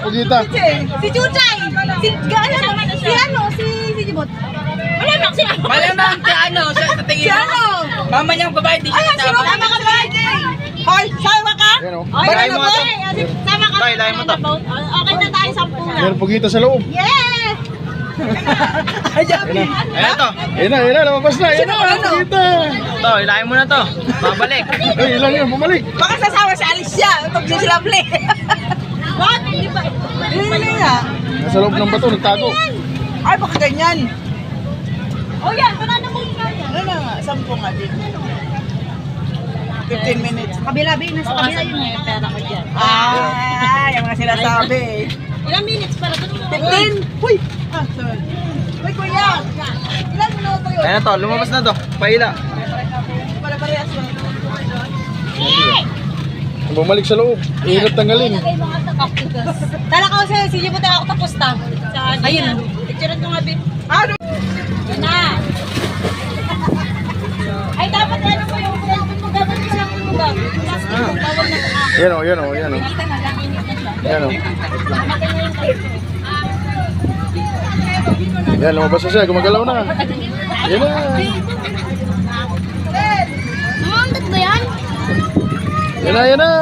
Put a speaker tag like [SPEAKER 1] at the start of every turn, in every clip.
[SPEAKER 1] Pugita.
[SPEAKER 2] Si Chuchay. Si Jibot.
[SPEAKER 3] Malamang si ano, sa tingin mo. Mama niyang babae, di siya
[SPEAKER 2] Sama ka ba? Hoy, sama ka?
[SPEAKER 1] Yan o.
[SPEAKER 3] Balay mo ito.
[SPEAKER 2] Sama ka.
[SPEAKER 3] Tay, lahin mo to.
[SPEAKER 2] Okay na tayo, 10 na.
[SPEAKER 1] Meron pugita sa loob.
[SPEAKER 2] Yes!
[SPEAKER 3] Ayan ito.
[SPEAKER 1] Yan na, lumabas na. Yan na, pugita.
[SPEAKER 3] Ito, ilahin mo na to. Babalik.
[SPEAKER 1] Ay, ilan yun, bumalik.
[SPEAKER 2] Baka sasama si Alicia pag sila play. What? Hindi ba? Hindi nga.
[SPEAKER 1] Nasa loob ng bato, nagtago.
[SPEAKER 2] Ay, baka ganyan. Oh yan, banana mo yung kaya. Ano nga, 10 nga din. 15 minutes.
[SPEAKER 4] Kabila, Bin. Nasa kabila yun eh. Pera ko dyan.
[SPEAKER 2] Yung mga sinasabi.
[SPEAKER 4] Ilang minutes para doon mo?
[SPEAKER 2] 15? Uy! Sorry. Uy, kuya! Ilan minuto yun?
[SPEAKER 3] Ayan to, lumabas na to. Paila.
[SPEAKER 2] Para parehas lang.
[SPEAKER 1] Bumalik sa loob. Ihirap tanggalin.
[SPEAKER 4] Tala ka kasi, sige mo tayo ako tapos ta. Ayun.
[SPEAKER 2] Picture ko nga, Bin. Ano?
[SPEAKER 4] Yun na. Ay, dapat ano mo yung cellphone mo. Dapat isang mo gagawin. Bawal na ito.
[SPEAKER 1] Yan o, yan o, yan o.
[SPEAKER 4] Kita na lang, init na siya.
[SPEAKER 1] Yan o.
[SPEAKER 4] Makin mo yung cellphone.
[SPEAKER 1] Yan, lumabas na siya. Gumagalaw na. Yan na.
[SPEAKER 4] Mamandat ba yan?
[SPEAKER 1] Yan na, yan na.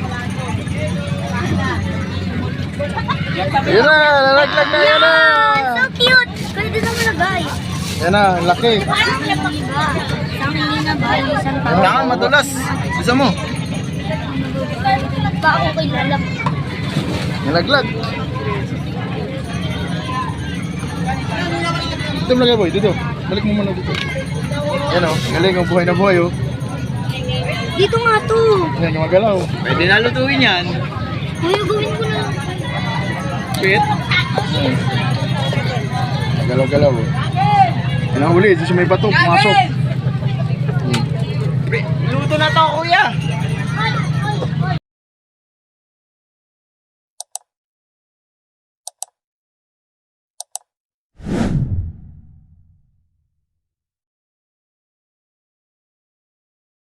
[SPEAKER 1] Yan na, lalaglag na, yan na.
[SPEAKER 4] So cute! Pwede na malagay.
[SPEAKER 1] Yan na, laki.
[SPEAKER 4] Parang siya pang iba. Isang hindi na ba? Isang tao.
[SPEAKER 3] Kailangan madulas. Isa mo.
[SPEAKER 4] Ba ako kay lalap?
[SPEAKER 1] Nalaglag. Dito mo lagay, boy. Dito. Balik mo muna dito. Yan o, galing ang buhay na buhay o.
[SPEAKER 4] Dito nga to.
[SPEAKER 1] Yan, gumagalaw.
[SPEAKER 3] Pwede na lutuin yan.
[SPEAKER 4] Kuya, gawin ko na.
[SPEAKER 3] Pit.
[SPEAKER 1] Yan. Galaw-galaw o. Yan ang huli. Dito sa may bato. Pumasok.
[SPEAKER 3] Luto na to, kuya.